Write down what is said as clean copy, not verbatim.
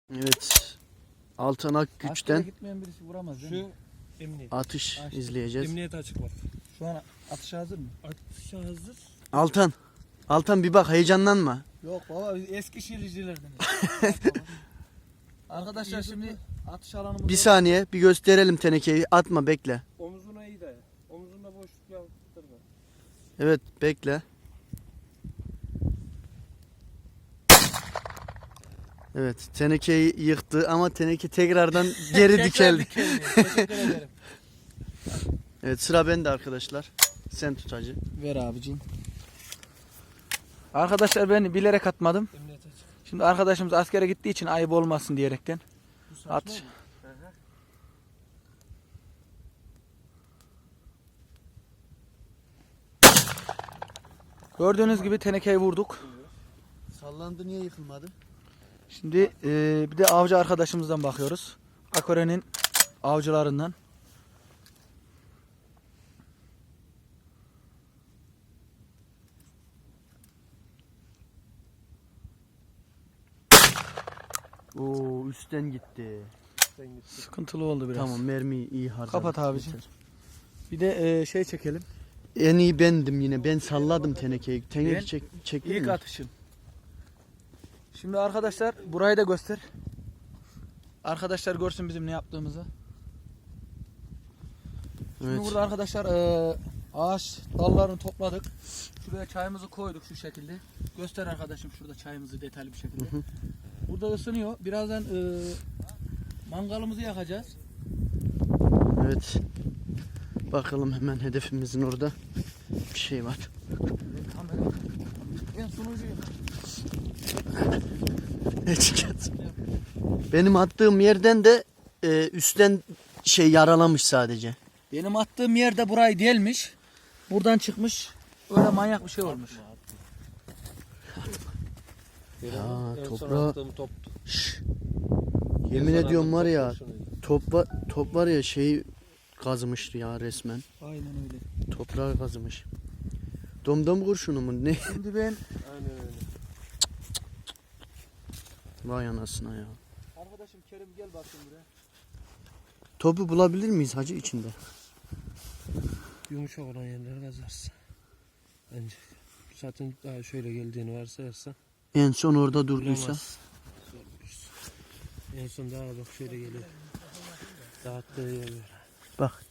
Evet. Altan Askere Akgüç'ten gitmeyen birisi vuramaz değil mi? Şu emniyet. atış Açtı. izleyeceğiz. Emniyet açık var. Şu an atışa hazır mı? Atışa hazır. Altan bir bak, heyecanlanma. Yok baba, biz eski şiircilerden. Arkadaşlar şimdi atış alanımız Bir saniye bir gösterelim tenekeyi. Atma, bekle. Omzuna iyi daya. Omzunda boşluk yaptırma. Evet, bekle. Evet, tenekeyi yıktı ama teneke tekrardan geri dikeldi. Teşekkür ederim. Evet, sıra bende arkadaşlar. Sen tut hacı. Ver abicim. Arkadaşlar ben bilerek atmadım. Emniyet açık. Şimdi arkadaşımız askere gittiği için ayıp olmasın diyerekten. Atış. Gördüğünüz gibi tenekeyi vurduk. Sallandı, niye yıkılmadı? Şimdi bir de avcı arkadaşımızdan bakıyoruz. Akore'nin avcılarından. Oo, üstten gitti. Sen git. Sıkıntılı oldu biraz. Tamam, mermiyi iyi harcadık. Kapat abicim. Yeter. Bir de şey çekelim. En iyi bendim yine. Ben salladım tenekeyi. Teneke Ben çektin İlk mi? atışım. Şimdi arkadaşlar burayı da göster. Arkadaşlar görsün bizim ne yaptığımızı. Şimdi Evet. burada arkadaşlar ağaç dallarını topladık. Şuraya çayımızı koyduk şu şekilde. Göster arkadaşım şurada çayımızı detaylı bir şekilde. Hı hı. Burada ısınıyor. Birazdan mangalımızı yakacağız. Evet. Bakalım, hemen hedefimizin orada bir şey var. Ben sunucuyum. Benim attığım yerden de üstten şey yaralamış sadece. Benim attığım yerde burayı delmiş. Buradan çıkmış. Öyle manyak bir şey olmuş. Ya, En son toprağa- attığım top. Şş. En Yemin son ediyorum attığım var top ya, kurşunuydu. top var ya, şey kazımıştı ya resmen. Aynen öyle. Toprağı kazımış. Domdom kurşunu mu ne? Şimdi ben Aynen öyle. Vay anasına ya. arkadaşım Kerim gel bakayım buraya. Topu bulabilir miyiz hacı içinde? Yumuşak olan yerleri kazarsın. Bence. Zaten daha şöyle geldiğini varsayarsan. En son orada durduysa. Bulamazsın. Zor bulursun. En son daha bak şöyle geliyor. Dağıttığı yerler. Bak